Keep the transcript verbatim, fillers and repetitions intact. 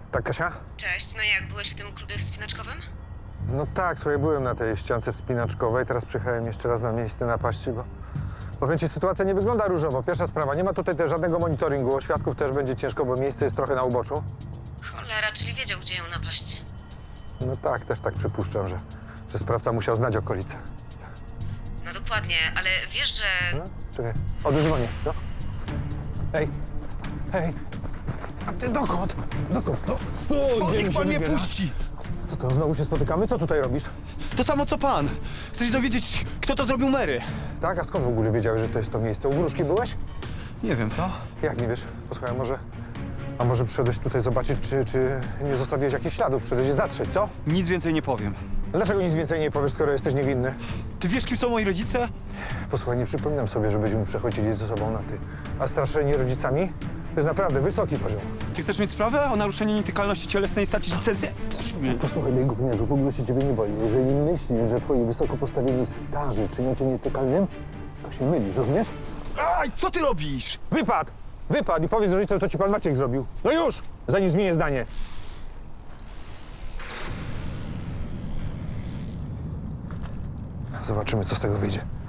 Tak, Kasia? Cześć, no jak, byłeś w tym klubie wspinaczkowym? No tak, słuchaj, byłem na tej ściance wspinaczkowej, teraz przyjechałem jeszcze raz na miejsce napaści, bo... Powiem ci, sytuacja nie wygląda różowo. Pierwsza sprawa, nie ma tutaj też żadnego monitoringu, o świadków też będzie ciężko, bo miejsce jest trochę na uboczu. Cholera, czyli wiedział, gdzie ją napaść. No tak, też tak przypuszczam, że, że sprawca musiał znać okolice. No dokładnie, ale wiesz, że... No, czekaj, oddzwonię, no. Hej, hej, a ty dokąd? Dokąd? No, stój, O, gdzie mi niech się pan mnie wybierasz? puści! Co to, znowu się spotykamy? Co tutaj robisz? To samo co pan. Chcę się dowiedzieć, kto to zrobił Mary. Tak, a skąd w ogóle wiedziałeś, że to jest to miejsce? U wróżki byłeś? Nie wiem, co? Jak nie wiesz? Posłuchaj, a może... A może przyszedłeś tutaj zobaczyć, czy, czy nie zostawiłeś jakichś śladów? Przyszedłeś je zatrzeć, co? Nic więcej nie powiem. Dlaczego nic więcej nie powiesz, skoro jesteś niewinny? Ty wiesz, kim są moi rodzice? Posłuchaj, nie przypominam sobie, żebyśmy przechodzili ze sobą na ty. A straszenie rodzicami? To jest naprawdę wysoki poziom. Ty chcesz mieć sprawę o naruszenie nietykalności cielesnej i stracić licencję? Puść mnie. Posłuchaj mnie, gówniarzu, w ogóle się ciebie nie boję. Jeżeli myślisz, że twoi wysoko postawieni starzy czynią cię nietykalnym, to się mylisz, rozumiesz? Aj, co ty robisz? Wypad! Wypad i powiedz rodzicom, co ci pan Maciek zrobił. No już! Zanim zmienię zdanie. Zobaczymy, co z tego wyjdzie.